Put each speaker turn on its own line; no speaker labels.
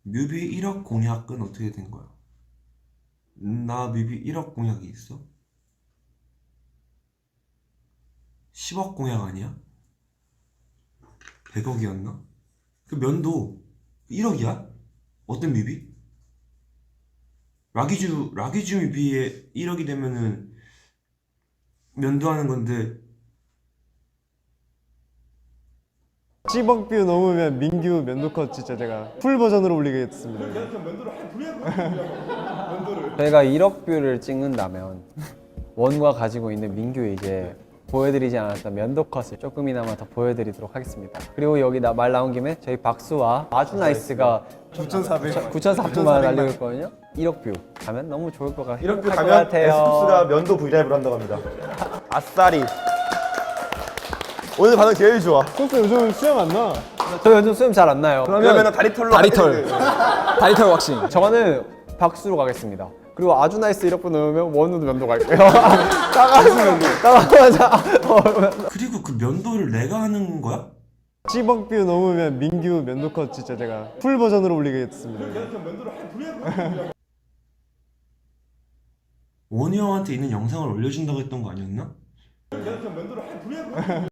뮤비 1억 공약은 어떻게 된 거야? 나 뮤비 1억 공약이 있어? 10억 공약 아니야? 100억이었나? 그 면도 1억이야? 어떤 뮤비? 라기주 뮤비에 1억이 되면은 면도하는 건데.
10억 뷰 넘으면 민규 면도컷 진짜 제가 풀 버전으로 올리겠습니다.
저희가 1억 뷰를 찍는다면 원과 가지고 있는 민규의 이제 보여드리지 않았던 면도컷을 조금이나마 더 보여드리도록 하겠습니다. 그리고 여기 말 나온 김에 저희 박수와 아주나이스가 9,400만 원 달리고 있거든요. 1억 뷰 가면 너무 좋을 것 같아요.
1억 뷰 가면 에스쿱스가 면도 브이라이브를 한다고 합니다. 아싸리. 오늘 반응 제일 좋아.
소스 요즘 수염 안 나.
저 요즘 수염 잘 안 나요.
그러면 다리털로
다리털 왁싱.
저는 박수로 가겠습니다. 그리고 아주나이스 1억 뷰 넣으면 원우도 면도 갈게요. 따가자.
그리고 그 면도를 내가 하는 거야?
10억 뷰 넘으면 민규 면도컷 진짜 제가 풀 버전으로 올리겠습니다.
원희 형한테 있는 영상을 올려준다고 했던 거 아니었나?